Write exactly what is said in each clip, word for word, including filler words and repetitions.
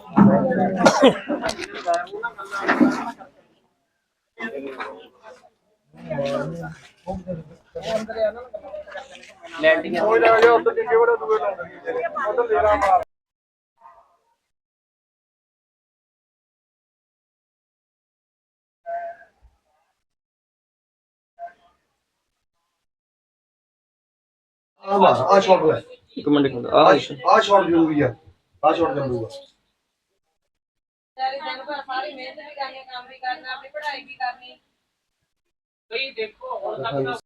Landing हो जाएगा उधर नीचे बड़े दुए लाऊंगा उधर ले रहा मार आ शॉट है एक मिनट एक मिनट आ आ शॉट जरूरी है आ शॉट कर लूंगा सारी दिन पर सारी मेहनत भी करनी काम भी करना अपनी पढ़ाई भी करनी भाई देखो और तक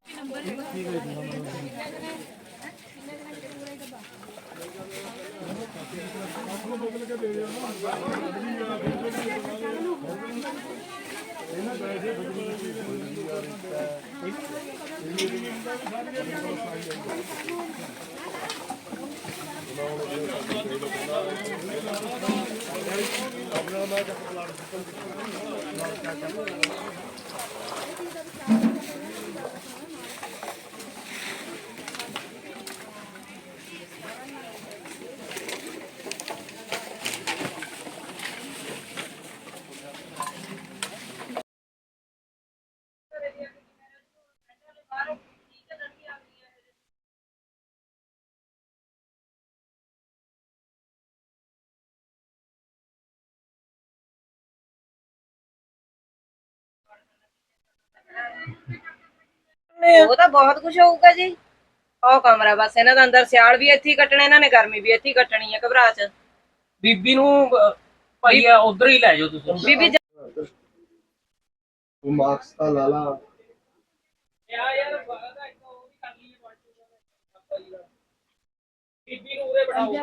ਉਹ ਤਾਂ ਬਹੁਤ ਕੁਝ ਹੋਊਗਾ ਜੀ। ਉਹ ਕਮਰਾ ਬਸ ਇਹਨਾਂ ਦਾ ਅੰਦਰ ਸਿਆਲ ਵੀ ਇੱਥੇ ਹੀ ਕੱਟਣਾ, ਇਹਨਾਂ ਨੇ ਗਰਮੀ ਵੀ ਇੱਥੇ ਹੀ ਕੱਟਣੀ ਹੈ ਘਬਰਾ ਚ। ਬੀਬੀ ਨੂੰ ਭਾਈ ਉਧਰ ਹੀ ਲੈ ਜਾਓ ਤੁਸੀਂ। ਬੀਬੀ ਉਹ ਮਾਰਕਸ ਤਾਂ ਲਾ ਲਾ ਯਾਰ ਯਾਰ ਬਾਦਾ ਇੱਕ ਉਹ ਵੀ ਕਰ ਲਈਏ ਬੀਬੀ ਨੂੰ ਉਰੇ ਬਿਠਾਓ।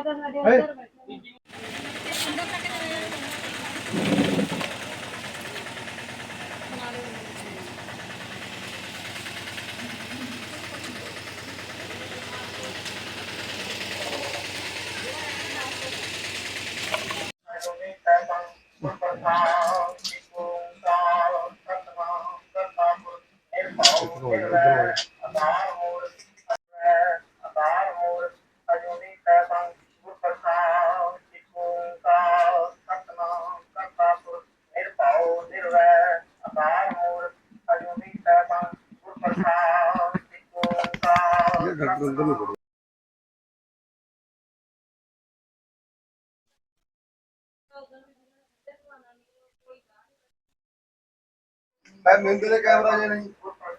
मैं मिंदले कैमरा जे नहीं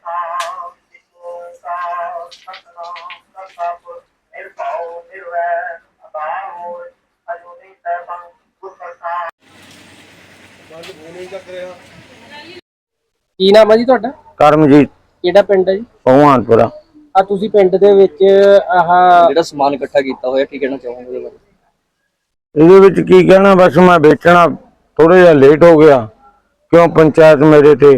ਕੀ ਨਾਮ ਹੈ ਜੀ ਤੁਹਾਡਾ? ਕਰਮਜੀਤ। ਕਿਹੜਾ ਪਿੰਡ ਹੈ ਜੀ? ਭਗਵਾਨਪੁਰਾ। ਆ ਤੁਸੀਂ ਪਿੰਡ ਦੇ ਵਿੱਚ ਆਹ ਜਿਹੜਾ ਸਮਾਨ ਇਕੱਠਾ ਕੀਤਾ ਹੋਇਆ ਕੀ ਕਹਿਣਾ ਚਾਹੋਗੇ ਉਹਦੇ ਬਾਰੇ? ਇਹਦੇ ਵਿੱਚ ਕੀ ਕਹਿਣਾ, ਬਸ ਮੈਂ ਵੇਚਣਾ ਥੋੜਾ ਜਿਹਾ ਲੇਟ ਹੋ ਗਿਆ ਕਿਉਂ ਪੰਚਾਇਤ ਮੇਰੇ ਤੇ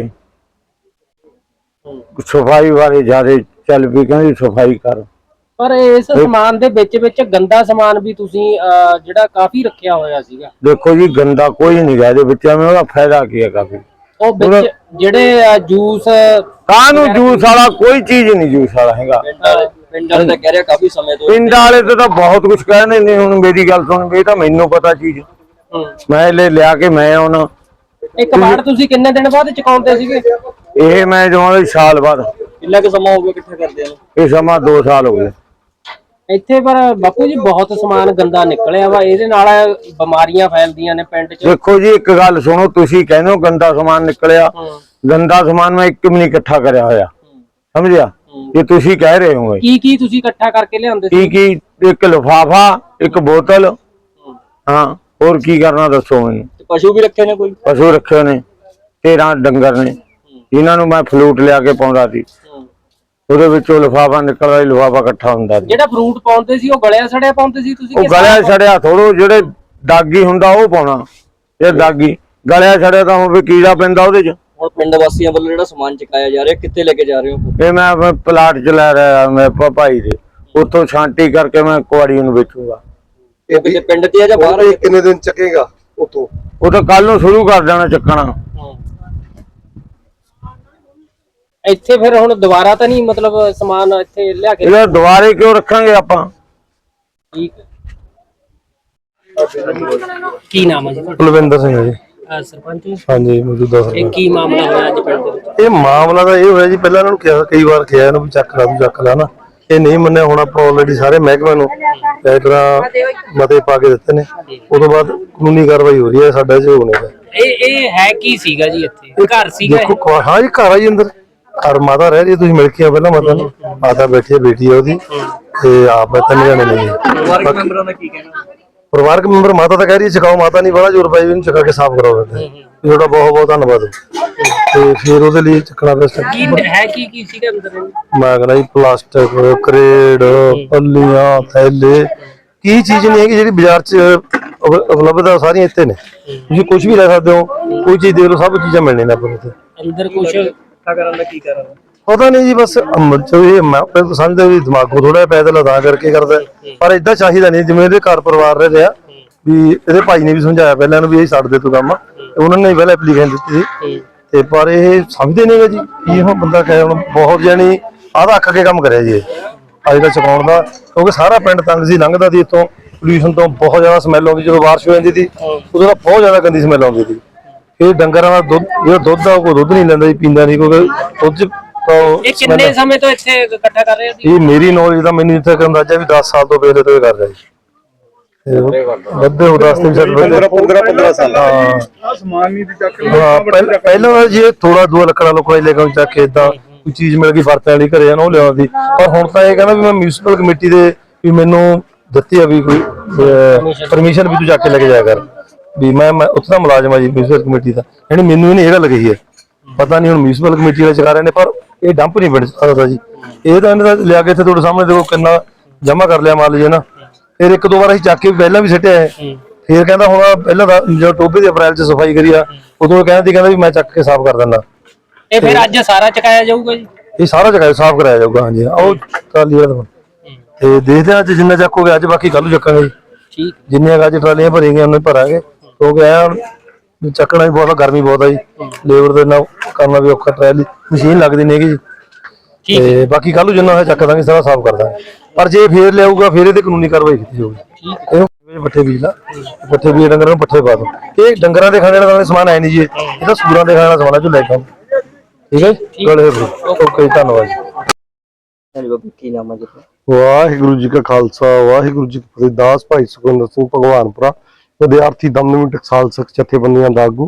ਸਫਾਈ ਬਾਰੇ ਜ਼ਿਆਦਾ ਚੱਲ ਪਈ, ਕਹਿੰਦੀ ਸਫਾਈ ਕਰ। ਪਰ ਇਸ ਸਮਾਨ ਦੇ ਵਿੱਚ ਵਿੱਚ ਗੰਦਾ ਸਮਾਨ ਵੀ ਤੁਸੀਂ ਜਿਹੜਾ ਕਾਫੀ ਰੱਖਿਆ ਹੋਇਆ ਸੀਗਾ। ਦੇਖੋ ਜੀ ਗੰਦਾ ਕੋਈ ਨਹੀਂ ਗਾ ਇਹਦੇ ਵਿੱਚ, ਐਵੇਂ ਉਹਦਾ ਫਾਇਦਾ ਕੀ ਹੈ ਕਾਫੀ। ਉਹ ਵਿੱਚ ਜਿਹੜੇ ਜੂਸ ਕਾਹਨੂੰ ਜੂਸ ਵਾਲਾ ਕੋਈ ਚੀਜ਼ ਨਹੀਂ, ਜੂਸ ਵਾਲਾ ਹੈਗਾ। ਪਿੰਡ ਵਾਲੇ ਤਾਂ ਕਹਿ ਰਿਹਾ ਕਾਫੀ ਸਮੇਂ ਤੋਂ, ਪਿੰਡ ਵਾਲੇ ਤੇ ਤਾਂ ਬਹੁਤ ਕੁਝ ਕਹਿੰਦੇ ਨੇ। ਹੁਣ ਮੇਰੀ ਗੱਲ ਸੁਣ, ਇਹ ਤਾਂ ਮੈਨੂੰ ਪਤਾ ਚੀਜ਼, ਮੈਂ ਲੈ ਲਿਆ ਕੇ ਮੈਂ ਉਹਨਾਂ ਇੱਕ ਕਬਾੜ ਤੁਸੀਂ ਕਿੰਨੇ ਦਿਨ ਬਾਅਦ ਚੁਕਾਉਂਦੇ ਸੀਗੇ? ਇਹ ਮੈਂ ਜਮਾਂ ਸਾਲ ਬਾਅਦ। ਕਿੰਨਾ ਕੁ ਸਮਾਂ ਹੋ ਗਿਆ ਇਕੱਠਾ ਕਰਦੇ ਆ? ਇਹ ਸਮਾਂ ਦੋ ਸਾਲ ਹੋ ਗਏ ਇੱਥੇ। ਪਰ ਬਾਪੂ ਜੀ ਬਹੁਤ ਸਮਾਨ ਗੰਦਾ ਨਿਕਲਿਆ ਵਾ, ਇਹਦੇ ਨਾਲ ਬਿਮਾਰੀਆਂ ਫੈਲਦੀਆਂ ਨੇ ਪਿੰਡ 'ਚ। ਦੇਖੋ ਜੀ ਇੱਕ ਗੱਲ ਸੁਣੋ, ਤੁਸੀਂ ਕਹਿੰਦੇ ਹੋ ਗੰਦਾ ਸਮਾਨ ਨਿਕਲਿਆ, ਗੰਦਾ ਸਮਾਨ ਮੈਂ ਇੱਕ ਵੀ ਨਹੀਂ ਇਕੱਠਾ ਕਰਿਆ ਹੋਇਆ, ਸਮਝਿਆ? ਇਹ ਤੁਸੀਂ ਕਹਿ ਰਹੇ ਹੋ ਕੀ ਕੀ ਤੁਸੀਂ ਇਕੱਠਾ ਕਰਕੇ ਲਿਆਉਂਦੇ ਸੀ? ਕੀ ਕੀ? ਇੱਕ ਲਿਫਾਫਾ, ਇੱਕ ਬੋਤਲ, ਹਾਂ ਹੋਰ ਕੀ ਕਰਨਾ ਦੱਸੋ ਮੈਨੂੰ? ਪਸ਼ੂ ਵੀ ਰੱਖੇ ਨੇ? ਕੋਈ ਪਸ਼ੂ ਰੱਖੇ ਨੇ, ਤੇਰਾਂ ਡੰਗਰ ਨੇ, ਇਹਨਾਂ ਨੂੰ ਮੈਂ ਫਲੂਟ ਲਿਆ ਕੇ ਪਾਉਂਦਾ ਸੀ, ਉਹਦੇ ਵਿੱਚੋਂ ਲਿਫਾਫਾ ਨਿਕਲਦਾ, ਲਿਫਾਫਾ ਇਕੱਠਾ ਹੁੰਦਾ ਸੀ। ਜਿਹੜਾ ਫਰੂਟ ਪਾਉਂਦੇ ਸੀ ਉਹ ਗਲਿਆ ਸੜਿਆ ਪਾਉਂਦੇ ਸੀ ਤੁਸੀਂ? ਉਹ ਗਲਿਆ ਸੜਿਆ ਥੋੜੋ, ਜਿਹੜੇ ਦਾਗੀ ਹੁੰਦਾ ਉਹ ਪਾਉਣਾ। ਇਹ ਦਾਗੀ ਗਲਿਆ ਸੜਿਆ ਤਾਂ ਹੋਵੇ, ਕੀੜਾ ਪੈਂਦਾ ਉਹਦੇ 'ਚ। ਹੁਣ ਪਿੰਡ ਵਾਸੀਆਂ ਵੱਲੋਂ ਜਿਹੜਾ ਸਮਾਨ ਚੁਕਾਇਆ ਜਾ ਰਿਹਾ, ਕਿੱਥੇ ਲੈ ਕੇ ਜਾ ਰਹੇ ਹੋ? ਇਹ ਮੈਂ ਪਲਾਟ 'ਚ ਲੈ ਰਿਹਾ ਮੈਂ ਭਾਈ ਦੇ, ਉੱਥੋਂ ਛਾਂਟੀ ਕਰਕੇ ਮੈਂ ਕੁਆੜੀ ਨੂੰ ਵੇਚੂਗਾ। ਇਹ ਪਿੰਡ 'ਚ ਆ ਜਾਂ ਬਾਹਰ? कितने दिन चकेगा उतो? ਉਹ ਤਾਂ ਕੱਲ ਨੂੰ ਸ਼ੁਰੂ ਕਰ ਦੇਣਾ ਚੱਕਣਾ। ਇੱਥੇ ਫਿਰ ਹੁਣ ਦੁਬਾਰਾ ਤਾਂ ਨਹੀਂ ਮਤਲਬ ਸਮਾਨ ਇੱਥੇ ਲਿਆ ਕੇ? ਇਹ ਦੁਬਾਰੇ ਕਿਉਂ ਰੱਖਾਂਗੇ ਆਪਾਂ? ਠੀਕ ਕੀ ਨਾਮ ਹੈ ਜੀ ਤੁਹਾਡਾ? ਕੁਲਵਿੰਦਰ ਸਿੰਘ ਹੈ ਜੀ। ਅਹ ਸਰਪੰਚ ਜੀ, ਹਾਂਜੀ ਮੌਜੂਦਾ ਇਹ ਸਰਪੰਚ। ਕੀ ਮਾਮਲਾ ਹੋਇਆ ਅੱਜ ਪਿੰਡ ਦੇ ਵਿੱਚ? ਇਹ ਮਾਮਲਾ ਤਾਂ ਇਹ ਹੋਇਆ ਜੀ, ਪਹਿਲਾਂ ਇਹਨਾਂ ਨੂੰ ਕਿਹਾ, ਕਈ ਵਾਰ ਕਿਹਾ ਇਹਨੂੰ ਵੀ ਚੱਕ ਲਾ ਤੂੰ ਚੱਕ ਲਾ ਨਾ, ਇਹ ਨਹੀਂ ਮੰਨਿਆ। ਹੁਣ ਆਪਾਂ ਆਲਰੇਡੀ ਸਾਰੇ ਮਹਿਕਮੇ ਨੂੰ ਇਸ ਤਰ੍ਹਾਂ ਮਤੇ ਪਾ ਕੇ ਦਿੱਤੇ ਨੇ, ਉਦੋਂ ਬਾਅਦ ਕਾਨੂੰਨੀ ਕਾਰਵਾਈ ਹੋ ਰਹੀ ਹੈ ਸਾਡਾ ਚ ਹੋਣੇ ਦਾ। ਇਹ ਇਹ ਹੈ ਕੀ ਸੀਗਾ ਜੀ ਇੱਥੇ? ਘਰ ਸੀਗਾ ਇਹ? ਦੇਖੋ ਹਾਂ ਜੀ, ਘਰ ਆ ਜੀ ਅੰਦਰ, ਘਰ ਮਾਤਾ ਰਹਿ ਰਹੀ, ਤੁਸੀਂ ਮਿਲ ਕੇ ਆ ਪਹਿਲਾਂ ਮਾਤਾ ਨੂੰ। ਮਾਤਾ ਬੈਠੀ ਹੈ, ਬੇਟੀ ਹੈ ਉਹਦੀ, ਤੇ ਆਪ ਤਿੰਨ ਜਣੇ ਨੇ। ਪਰਿਵਾਰਕ ਮੈਂਬਰਾਂ ਦਾ ਕੀ ਕਹਿਣਾ? ਪਰਿਵਾਰਕ ਮੈਂਬਰ ਮਾਤਾ ਤਾਂ ਕਹਿ ਰਹੀ ਹੈ ਚਕਾਓ, ਮਾਤਾ ਨਹੀਂ ਬੜਾ ਜ਼ੋਰ ਪਾਈ, ਇਹਨੂੰ ਚਕਾ ਕੇ ਸਾਫ਼ ਕਰਾਓ। ਤੁਹਾਡਾ ਬਹੁਤ ਬਹੁਤ ਧੰਨਵਾਦ। ਤੇ ਫਿਰ ਉਹਦੇ ਲਈ ਚੱਕਣਾ ਪਿਆ ਸਟੈਪ। ਕੀ ਹੈ ਕੀ ਕੀ ਸੀਗਾ ਅੰਦਰ? ਮੈਂ ਕਹਿੰਦਾ ਜੀ ਪਲਾਸਟਿਕ, ਕਰੇਡ, ਪੱਲੀਆਂ, ਥੈਲੇ, ਕੀ ਚੀਜ਼ ਨਹੀਂ ਹੈਗੀ ਜਿਹੜੀ ਬਾਜ਼ਾਰ 'ਚ ਉਪ- ਉਪਲਬਧ ਆ, ਸਾਰੀਆਂ ਇੱਥੇ ਨੇ। ਤੁਸੀਂ ਕੁਝ ਵੀ ਲੈ ਸਕਦੇ ਹੋ, ਕੋਈ ਚੀਜ਼ ਦੇਖ ਲਓ, ਸਭ ਚੀਜ਼ਾਂ ਮਿਲਣੀਆਂ ਨੇ ਆਪਾਂ ਨੂੰ ਇੱਥੇ। ਅੰਦਰ ਕੁਝ ਕਰਨ ਦਾ ਕੀ ਕਾਰਨ? ਪਤਾ ਨਹੀਂ ਜੀ, ਬਸ ਅਮ ਜੋ ਇਹ ਮੈਂ ਆਪਣੇ ਸਮਝਦਾ ਵੀ ਦਿਮਾਗੋਂ ਥੋੜਾ ਪੈਦਲ ਤਾਂ ਕਰਕੇ ਕਰਦਾ, ਪਰ ਏਦਾਂ ਚਾਹੀਦਾ ਨਹੀਂ। ਜਿਵੇਂ ਇਹਦੇ ਘਰ ਪਰਿਵਾਰ ਰਹਿ ਰਿਹਾ ਵੀ, ਇਹਦੇ ਭਾਈ ਨੇ ਵੀ ਸਮਝਾਇਆ ਪਹਿਲਾਂ ਇਹਨੂੰ ਵੀ ਇਹ ਛੱਡ ਦੇ ਤੂੰ ਕੰਮ, ਉਹਨਾਂ ਨੇ ਪਹਿਲਾਂ ਐਪਲੀਕੇਸ਼ਨ ਦਿੱਤੀ ਸੀ, ਤੇ ਪਰ ਇਹ ਸਮਝਦੇ ਨਹੀਂਗਾ ਜੀ। ਕੀ ਹੁਣ ਬੰਦਾ ਕਹੇ, ਹੁਣ ਬਹੁਤ ਜਾਨੀ ਆਹ ਅੱਖ ਕੇ ਕੰਮ ਕਰਿਆ ਜੀ ਅੱਜ ਦਾ ਚਕਾਉਣ ਦਾ, ਕਿਉਂਕਿ ਸਾਰਾ ਪਿੰਡ ਤੰਗ ਸੀ, ਲੰਘਦਾ ਸੀ ਇੱਥੋਂ, ਪੋਲਿਊਸ਼ਨ ਤੋਂ ਬਹੁਤ ਜ਼ਿਆਦਾ ਸਮੈਲ ਆਉਂਦੀ। ਜਦੋਂ ਬਾਰਿਸ਼ ਹੋ ਜਾਂਦੀ ਸੀ ਉਦੋਂ ਤਾਂ ਬਹੁਤ ਜ਼ਿਆਦਾ ਗੰਦੀ ਸਮੈਲ ਆਉਂਦੀ ਸੀ। ਇਹ ਡੰਗਰਾਂ ਦਾ ਦੁੱਧ, ਜਿਹੜਾ ਦੁੱਧ ਆ, ਕੋਈ ਦੁੱਧ ਨਹੀਂ ਲੈਂਦਾ ਜੀ, ਪੀਂਦਾ ਨਹੀਂ, ਕਿਉਂਕਿ ਦੁੱਧ 'ਚ ਇਹ ਕਿੰਨੇ ਸਮੇਂ ਤੋਂ ਇੱਥੇ ਇਕੱਠਾ ਕਰ ਰਹੇ ਸੀ? ਇਹ ਮੇਰੀ ਨੌਲੇਜ ਦਾ ਮੈਨੂੰ ਇੱਥੇ ਕਿ ਅੰਦਾਜ਼ਾ ਵੀ ਦਸ ਸਾਲ ਤੋਂ ਪਹਿਲੇ ਤੋਂ ਇਹ ਕਰ ਰਿਹਾ ਜੀ। ਵੱਧੇ ਹੋ ਦਸ ਤਿੰਨ ਸਾਲ ਪੰਦਰਾਂ ਪੰਦਰਾਂ ਸਾਲ ਹਾਂ ਸਮਾਨ ਨਹੀਂ ਚੱਕ ਹਾਂ। ਪਹਿਲਾਂ ਪਹਿਲਾਂ ਜੀ ਥੋੜਾ ਦੋ ਲੱਕੜਾਂ ਲੋਕਾਂ ਲੈ ਕੇ ਚੱਕ ਕੇ ਏਦਾਂ ਕੋਈ ਚੀਜ਼ ਮਿਲ ਗਈ ਵਰਤਣ ਵਾਲੀ ਘਰੇ ਨਾ, ਉਹ ਲਿਆਉਂਦੀ। ਪਰ ਹੁਣ ਤਾਂ ਇਹ ਕਹਿੰਦਾ ਵੀ ਮੈਂ ਮਿਊਨਿਸਪਲ ਕਮੇਟੀ ਦੇ ਵੀ ਮੈਨੂੰ ਦਿੱਤੀ ਆ ਵੀ ਕੋਈ ਪਰਮਿਸ਼ਨ ਵੀ ਤੂੰ ਚੱਕ ਕੇ ਲੈ ਕੇ ਜਾਇਆ ਕਰ, ਵੀ ਮੈਂ ਮੈਂ ਉੱਥੇ ਦਾ ਮੁਲਾਜ਼ਮ ਆ ਜੀ ਮਿਊਨਿਸਪਲ ਕਮੇਟੀ ਦਾ। ਯਾਨੀ ਮੈਨੂੰ ਇਹਨੇ ਇਹ ਗੱਲ ਕਹੀ ਹੈ, ਪਤਾ ਨਹੀਂ ਹੁਣ ਮਿਊਨਿਸਪਲ ਕਮੇਟੀ ਵਾਲੇ ਚਕਾ ਰਹੇ ਨੇ, ਪਰ ਇਹ ਡੰਪ ਨਹੀਂ ਬਣ ਸਕਦਾ ਜੀ। ਇਹ ਤਾਂ ਇਹਨਾਂ ਦਾ ਲਿਆ ਕੇ ਇੱਥੇ ਤੁਹਾਡੇ ਸਾਹਮਣੇ ਦੇਖੋ ਕਿੰਨਾ ਜਮਾ ਕਰ ਲਿਆ, ਮੰਨ ਲਈਏ ਨਾ। ਫਿਰ ਇੱਕ ਦੋ ਵਾਰ ਅਸੀਂ ਚੱਕ ਕੇ ਪਹਿਲਾਂ ਵੀ ਸਿੱਟਿਆ ਹੈ, ਫਿਰ ਕਹਿੰਦਾ ਹੁਣ ਪਹਿਲਾਂ ਜਦੋਂ ਟੋਬੇ ਦੀ ਅਪ੍ਰੈਲ 'ਚ ਸਫਾਈ ਕਰੀ ਆ, ਉਦੋਂ ਕਹਿੰਦਾ ਸੀ ਕਹਿੰਦਾ ਵੀ ਮੈਂ ਚੱਕ ਕੇ ਸਾਫ਼ ਕਰ ਦਿੰਦਾ। ਇਹ ਫਿਰ ਅੱਜ ਸਾਰਾ ਚਕਾਇਆ ਜਾਊਗਾ ਜੀ? ਇਹ ਸਾਰਾ ਜਗ੍ਹਾ ਸਾਫ਼ ਕਰਾਇਆ ਜਾਊਗਾ। ਹਾਂਜੀ, ਉਹ ਟਰਾਲੀ ਵਾਲਾ ਤੇ ਦੇਖਦੇ ਹਾਂ ਅੱਜ ਜਿੰਨਾ ਚੱਕੋਗੇ ਅੱਜ, ਬਾਕੀ ਕੱਲ ਨੂੰ ਚੱਕਾਂਗੇ ਜੀ। ਠੀਕ, ਜਿੰਨੀਆਂ ਅੱਜ ਟਰਾਲੀਆਂ ਭਰੀਆਂ ਉਹਨਾਂ ਭਰਾਂਗੇ, ਕਿਉਂਕਿ ਐ ਹੁਣ ਚੱਕਣਾ ਵੀ ਬਹੁਤ, ਗਰਮੀ ਬਹੁਤ ਆ ਜੀ, ਲੇਬਰ ਦੇ ਨਾਲ ਕਰਨਾ ਵੀ ਔਖਾ, ਟਰਾਲੀ ਮਸ਼ੀਨ ਲੱਗਦੀ ਨਹੀਂ ਹੈਗੀ ਜੀ। ਤੇ ਬਾਕੀ ਕੱਲ ਨੂੰ ਜਿੰਨਾ ਹੋਇਆ ਚੱਕ ਦਾਂਗੇ, ਸਾਰਾ ਸਾਫ਼ ਕਰ ਦਾਂਗੇ। ਪਰ ਜੇ ਫੇਰ ਲਿਆਊਗਾ ਫਿਰ ਇਹਦੇ ਕਾਨੂੰਨੀ ਕਾਰਵਾਈ ਕੀਤੀ ਜਾਊਗੀ। ਇਹ ਪੱਠੇ ਬੀਜ ਲਾ, ਪੱਠੇ ਬੀਜ ਡੰਗਰਾਂ ਨੂੰ ਪੱਠੇ ਪਾ ਦੋ। ਇਹ ਡੰਗਰਾਂ ਦੇ ਖਾਣੇ ਵਾਲਾ ਸਮਾਨ ਹੈ ਨਹੀਂ ਜੀ, ਇਹ ਤਾਂ ਸੂਰਾਂ ਦੇ ਖਾਣੇ ਵਾਲਾ ਸਮਾਨ ਹੈ ਜੋ ਲੈ ਕੇ ਆਓ। ਠੀਕ ਹੈ ਜੀ, ਗੱਲ ਹੈ। ਓਕੇ, ਧੰਨਵਾਦ ਜੀ। ਹਾਂਜੀ ਬਾਬੂ, ਕੀ ਨਾਮ ਹੈ ਜੀ? ਵਾਹਿਗੁਰੂ ਜੀ ਕਾ ਖਾਲਸਾ, ਵਾਹਿਗੁਰੂ ਜੀ ਕੀ ਫਤਿਹ। ਦਾਸ ਭਾਈ ਸੁਖਿੰਦਰ ਸਿੰਘ ਭਗਵਾਨਪੁਰਾ, ਵਿਦਿਆਰਥੀ ਦਮਦਮੀ ਟਕਸਾਲ ਸਿੱਖ ਜਥੇਬੰਦੀਆਂ ਦਾ ਆਗੂ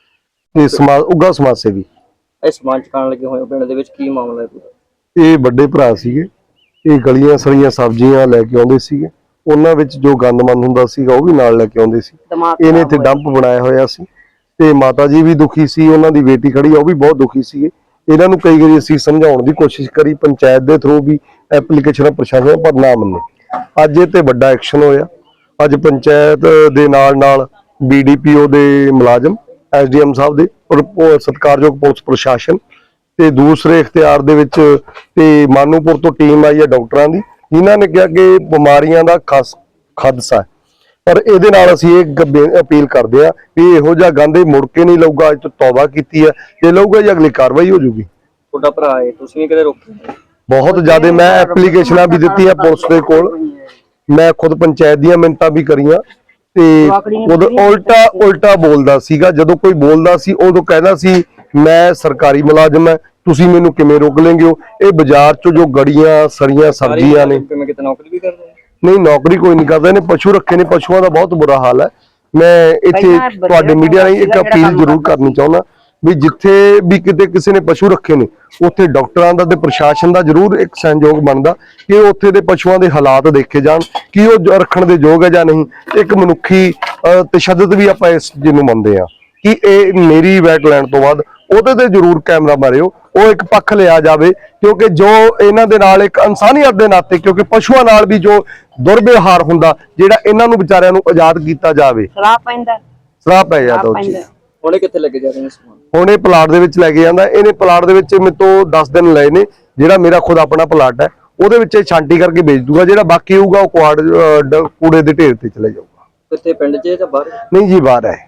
ਤੇ ਸਮਾਜ ਉੱਘਾ ਸਮਾਜ ਸੇਵੀ। ਇਹ ਸਮਾਨ ਚਕਾਉਣ ਲੱਗੇ ਹੋਏ ਪਿੰਡ ਦੇ ਵਿੱਚ, ਕੀ ਮਾਮਲਾ ਹੈ? ਇਹ ਵੱਡੇ ਭਰਾ ਸੀਗੇ, ਇਹ ਗਲੀਆਂ ਸੜੀਆਂ ਸਬਜ਼ੀਆਂ ਲੈ ਕੇ ਆਉਂਦੇ ਸੀਗੇ, ਉਹਨਾਂ ਵਿੱਚ ਜੋ ਗੰਦਮੰਦ ਹੁੰਦਾ ਸੀਗਾ ਉਹ ਵੀ ਨਾਲ ਲੈ ਕੇ ਆਉਂਦੇ ਸੀ। ਇਹਨੇ ਇੱਥੇ ਡੰਪ ਬਣਾਇਆ ਹੋਇਆ ਸੀ, ਤੇ ਮਾਤਾ ਜੀ ਵੀ ਦੁਖੀ ਸੀ, ਉਹਨਾਂ ਦੀ ਬੇਟੀ ਖੜੀ ਆ ਉਹ ਵੀ ਬਹੁਤ ਦੁਖੀ ਸੀਗੇ। ਇਹਨਾਂ ਨੂੰ ਕਈ ਵਾਰੀ ਅਸੀਂ ਸਮਝਾਉਣ ਦੀ ਕੋਸ਼ਿਸ਼ ਕਰੀ, ਪੰਚਾਇਤ ਦੇ ਥਰੂ ਵੀ ਐਪਲੀਕੇਸ਼ਨ ਪ੍ਰਸ਼ਾਸਨ, ਪਰ ਨਾ ਮੰਨੇ। ਅੱਜ ਇਹ ਤੇ ਵੱਡਾ ਐਕਸ਼ਨ ਹੋਇਆ। ਅੱਜ ਪੰਚਾਇਤ ਦੇ ਨਾਲ ਨਾਲ ਬੀਡੀਪੀਓ ਦੇ ਮੁਲਾਜ਼ਮ, ਐਸਡੀਐਮ ਸਾਹਿਬ ਦੇ, ਸਤਿਕਾਰਯੋਗ ਪੁਲਿਸ ਪ੍ਰਸ਼ਾਸਨ ਤੇ ਦੂਸਰੇ ਇਖਤਿਆਰ ਦੇ ਵਿੱਚ ਤੇ ਮਾਨੂਪੁਰ ਤੋਂ ਟੀਮ ਆਈ ਹੈ ਡਾਕਟਰਾਂ ਦੀ, ਜਿਨ੍ਹਾਂ ਨੇ ਕਿਹਾ ਕਿ ਬਿਮਾਰੀਆਂ ਦਾ ਖਾਸ ਖਾਦਸਾ ਹੈ। ਪਰ ਇਹਦੇ ਨਾਲ ਅਸੀਂ ਇਹ ਅਪੀਲ ਕਰਦੇ ਆ ਵੀ ਇਹੋ ਜਿਹਾ ਗੰਦ ਮੁੜ ਕੇ ਨਹੀਂ ਲਊਗਾ। ਅੱਜ ਤੋਂ ਤੌਬਾ ਕੀਤੀ ਹੈ, ਜੇ ਲਊਗਾ ਜੀ ਅਗਲੀ ਕਾਰਵਾਈ ਹੋ ਜੂਗੀ। ਤੁਹਾਡਾ ਭਰਾ ਹੈ, ਤੁਸੀਂ ਵੀ ਕਦੇ ਰੋਕਿਆ? ਬਹੁਤ ਜ਼ਿਆਦਾ ਮੈਂ ਐਪਲੀਕੇਸ਼ਨਾਂ ਵੀ ਦਿੱਤੀਆਂ ਪੁਲਿਸ ਦੇ ਕੋਲ, ਮੈਂ ਖੁਦ ਪੰਚਾਇਤ ਦੀਆਂ ਮਿੰਨਤਾਂ ਵੀ ਕਰੀਆਂ, ਤੇ ਉਦੋਂ ਉਲਟਾ ਉਲਟਾ ਬੋਲਦਾ ਸੀਗਾ। ਜਦੋਂ ਕੋਈ ਬੋਲਦਾ ਸੀ ਉਦੋਂ ਕਹਿੰਦਾ ਸੀ ਮੈਂ ਸਰਕਾਰੀ ਮੁਲਾਜ਼ਮ ਹੈ, ਤੁਸੀਂ ਮੈਨੂੰ ਕਿਵੇਂ ਰੋਕ ਲੈਂਗੇ ਹੋ। ਇਹ ਬਾਜ਼ਾਰ ਚੋਂ ਜੋ ਗੜੀਆਂ ਸੜੀਆਂ ਸਬਜ਼ੀਆਂ ਨੇ, ਮੈਂ ਕਿਤੇ ਨੌਕਰੀ ਵੀ ਕਰਦਾ? ਨਹੀਂ, ਨੌਕਰੀ ਕੋਈ ਨਹੀਂ ਕਰਦਾ। ਇਹਨੇ ਪਸ਼ੂ ਰੱਖੇ ਨੇ, ਪਸ਼ੂਆਂ ਦਾ ਬਹੁਤ ਬੁਰਾ ਹਾਲ ਹੈ। ਮੈਂ ਇੱਥੇ ਤੁਹਾਡੇ ਮੀਡੀਆ ਰਾਹੀਂ ਇੱਕ ਅਪੀਲ ਜ਼ਰੂਰ ਕਰਨੀ ਚਾਹੁੰਦਾ ਵੀ ਜਿੱਥੇ ਵੀ ਕਿਤੇ ਕਿਸੇ ਨੇ ਪਸ਼ੂ ਰੱਖੇ ਨੇ, ਉੱਥੇ ਡਾਕਟਰਾਂ ਦਾ ਤੇ ਪ੍ਰਸ਼ਾਸਨ ਦਾ ਜ਼ਰੂਰ ਇੱਕ ਸਹਿਯੋਗ ਬਣਦਾ ਕਿ ਉੱਥੇ ਦੇ ਪਸ਼ੂਆਂ ਦੇ ਹਾਲਾਤ ਦੇਖੇ ਜਾਣ ਕਿ ਉਹ ਰੱਖਣ ਦੇ ਯੋਗ ਹੈ ਜਾਂ ਨਹੀਂ। ਇੱਕ ਮਨੁੱਖੀ ਤਸ਼ੱਦਦ ਵੀ ਆਪਾਂ ਇਸ ਜਿਹਨੂੰ ਮੰਨਦੇ ਆ ਕਿ ਇਹ ਮੇਰੀ ਵੈਟ ਲੈਣ ਤੋਂ ਬਾਅਦ ਉਹਦੇ ਤੇ ਜ਼ਰੂਰ ਕੈਮਰਾ ਮਾਰਿਓ, ਉਹ ਇੱਕ ਪੱਖ ਲਿਆ ਜਾਵੇ, ਕਿਉਂਕਿ ਜੋ ਇਹਨਾਂ ਦੇ ਨਾਲ ਇੱਕ ਇਨਸਾਨੀਅਤ ਦੇ ਨਾਤੇ, ਕਿਉਂਕਿ ਪਸ਼ੂਆਂ ਨਾਲ ਵੀ ਜੋ ਦੁਰਵਿਵਹਾਰ ਹੁੰਦਾ, ਜਿਹੜਾ ਇਹਨਾਂ ਨੂੰ ਵਿਚਾਰਿਆਂ ਨੂੰ ਆਜ਼ਾਦ ਕੀਤਾ ਜਾਵੇ। ਸ਼ਰਾਬ ਪੈਂਦਾ, ਸ਼ਰਾਬ ਪੈ ਜਾਂਦਾ ਉਹ ਚੀਜ਼। ਹੁਣੇ ਕਿੱਥੇ ਲੱਗੇ ਜਾ ਰਹੇ ਨੇ ਸਮਾਨ? ਹੁਣ ਇਹ ਪਲਾਟ ਦੇ ਵਿੱਚ ਲੈ ਕੇ ਜਾਂਦਾ। ਇਹਨੇ ਪਲਾਟ ਦੇ ਵਿੱਚ ਮੇਰੇ ਤੋਂ ਦਸ ਦਿਨ ਲਏ ਨੇ, ਜਿਹੜਾ ਮੇਰਾ ਖੁਦ ਆਪਣਾ ਪਲਾਟ ਹੈ ਉਹਦੇ ਵਿੱਚ ਇਹ ਛਾਂਟੀ ਕਰਕੇ ਵੇਚ ਦੂਗਾ। ਜਿਹੜਾ ਬਾਕੀ ਹੋਊਗਾ ਉਹ ਕੁਆੜ ਕੂੜੇ ਦੇ ਢੇਰ ਤੇ ਚਲੇ ਜਾਊਗਾ। ਕਿੱਥੇ, ਪਿੰਡ 'ਚ ਜਾਂ ਬਾਹਰ? ਨਹੀਂ ਜੀ, ਬਾਹਰ ਹੈ।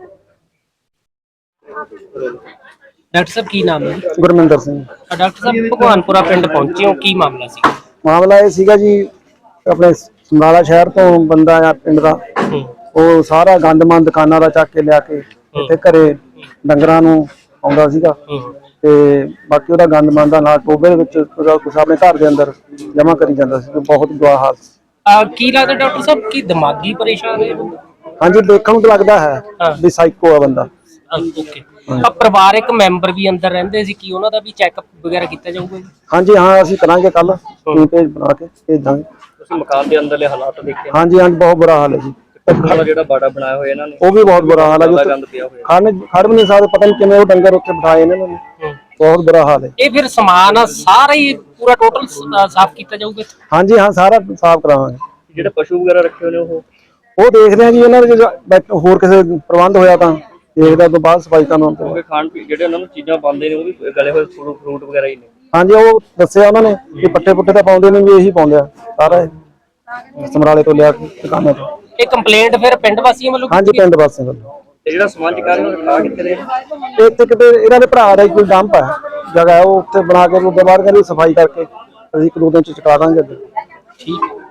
ਡਾਕਟਰ ਸਾਹਿਬ, ਕੀ ਨਾਮ ਹੈ? ਗੁਰਮਿੰਦਰ ਸਿੰਘ। ਡਾਕਟਰ ਸਾਹਿਬ, ਭਗਵਾਨਪੁਰਾ ਪਿੰਡ ਪਹੁੰਚੇ ਹੋ, ਕੀ ਮਾਮਲਾ ਸੀ? ਮਾਮਲਾ ਇਹ ਸੀਗਾ ਜੀ, ਆਪਣੇ ਸਮਰਾਲਾ ਸ਼ਹਿਰ ਤੋਂ ਬੰਦਾ ਆ ਪਿੰਡ ਦਾ, ਉਹ ਸਾਰਾ ਗੰਦਮੰਦ ਦੁਕਾਨਾਂ ਦਾ ਚੱਕ ਕੇ ਲਿਆ ਕੇ ਇੱਥੇ ਘਰੇ ਡੰਗਰਾਂ ਨੂੰ ਆਉਂਦਾ ਸੀਗਾ ਤੇ ਬਾਕੀ ਉਹਦਾ ਗੰਦਮੰਦ ਦਾ ਨਾਲ ਟੋਬੇ ਦੇ ਵਿੱਚ ਉਹਦਾ ਕੁਛ ਆਪਣੇ ਘਰ ਦੇ ਅੰਦਰ ਜਮ੍ਹਾਂ ਕਰੀ ਜਾਂਦਾ ਸੀ। ਬਹੁਤ ਬੁਰਾ ਹਾਲ ਸੀ। ਅਹ ਕੀ ਲੱਗਦਾ ਡਾਕਟਰ ਸਾਹਿਬ ਕੀ ਦਿਮਾਗੀ ਪਰੇਸ਼ਾਨ ਹੈ ਇਹ ਬੰਦਾ? ਹਾਂਜੀ, ਦੇਖਣ ਨੂੰ ਤਾਂ ਲੱਗਦਾ ਹੈ ਵੀ ਸਾਈਕੋ ਆ ਬੰਦਾ। ਓਕੇ, ਆ ਪਰਿਵਾਰਕ ਮੈਂਬਰ ਵੀ ਅੰਦਰ ਰਹਿੰਦੇ ਸੀ, ਕੀ ਉਹਨਾਂ ਦਾ ਵੀ ਚੈੱਕਅਪ ਵਗੈਰਾ ਕੀਤਾ ਜਾਊਗਾ ਜੀ? ਹਾਂਜੀ ਹਾਂ, ਅਸੀਂ ਕਰਾਂਗੇ ਕੱਲ ਟੀਮ ਭੇਜ ਬਣਾ ਕੇ ਭੇਜਾਂਗੇ। ਤੁਸੀਂ ਮਕਾਨ ਦੇ ਅੰਦਰਲੇ ਹਾਲਾਤ ਦੇਖੇ ਹਾਂਜੀ ਹਾਂਜੀ, ਬਹੁਤ ਬੁਰਾ ਹਾਲ ਹੈ ਜੀ। ਵਾਲਾ ਜਿਹੜਾ ਬਾੜਾ ਬਣਾਇਆ ਹੋਇਆ ਇਹਨਾਂ ਨੇ, ਉਹ ਵੀ ਬਹੁਤ ਬੁਰਾ ਹਾਲ ਹੈ ਜੀ। ਗੰਦ ਪਿਆ ਹੋਇਆ, ਖੜ ਖੜ ਵੀ ਨਹੀਂ ਸਕਦੇ, ਪਤਾ ਨਹੀਂ ਕਿਵੇਂ ਉਹ ਡੰਗਰ ਉੱਥੇ ਬਿਠਾਏ ਇਹਨਾਂ ਨੇ। ਬਹੁਤ ਬੁਰਾ ਹਾਲ ਹੈ। ਇਹ ਫਿਰ ਸਮਾਨ ਆ ਸਾਰਾ ਹੀ ਪੂਰਾ ਟੋਟਲ ਸਾਫ਼ ਕੀਤਾ ਜਾਊਗਾ? ਹਾਂਜੀ ਹਾਂ, ਸਾਰਾ ਸਾਫ਼ ਕਰਾਵਾਂਗੇ। ਜਿਹੜੇ ਪਸ਼ੂ ਵਗੈਰਾ ਰੱਖੇ ਹੋਏ ਨੇ ਉਹ ਉਹ ਦੇਖਦੇ ਆ ਜੀ, ਉਹਨਾਂ ਦੇ ਜੇ ਹੋਰ ਕਿਸੇ ਪ੍ਰਬੰਧ ਹੋਇਆ ਤਾਂ ਦੇਖਦਾ, ਤੋਂ ਬਾਅਦ ਸਫਾਈ ਕਰਨ। ਕਿਉਂਕਿ ਖਾਣ ਪੀ ਜਿਹੜੇ ਉਹਨਾਂ ਨੂੰ ਚੀਜ਼ਾਂ ਪਾਉਂਦੇ ਨੇ ਉਹ ਵੀ ਗਲੇ ਹੋਏ ਫਰੂਟ ਵਗੈਰਾ ਹੀ ਨੇ। ਹਾਂਜੀ, ਉਹ ਦੱਸਿਆ ਉਹਨਾਂ ਨੇ ਕਿ ਪੱਟੇ ਪੁੱਟੇ ਤਾਂ ਪਾਉਂਦੇ ਨਹੀਂ, ਵੀ ਇਹੀ ਪਾਉਂਦੇ ਆ ਸਾਰਾ ਸਮਰਾਲੇ ਤੋਂ ਲਿਆ ਕੇ ਦੁਕਾਨਾਂ ਤੋਂ। ਇਹ ਕੰਪਲੇਂਟ ਫਿਰ ਪਿੰਡ ਵਾਸੀਆਂ ਵੱਲੋਂ? ਹਾਂਜੀ, ਪਿੰਡ ਵਾਸੀਆਂ ਵੱਲੋਂ। ਤੇ ਜਿਹੜਾ ਸਮਾਨ ਚਕਾਰਨ ਨੂੰ ਰੱਖਾ ਕਿੱਥੇ ਦੇ? ਇੱਥੇ ਕਿਤੇ ਇਹਨਾਂ ਦੇ ਭਰਾ ਦਾ ਹੀ ਕੋਈ ਡੰਪ ਹੈ ਜਗ੍ਹਾ, ਉਹ ਉੱਥੇ ਬਣਾ ਕੇ ਉਹਦੇ ਬਾਅਦ ਕਹਿੰਦੇ ਸਫਾਈ ਕਰਕੇ ਅਸੀਂ ਇੱਕ ਦੋ ਦਿਨ ਚ ਚੁਕਾ ਦਾਂਗੇ ਅੱਗੇ। ਠੀਕ ਹੈ।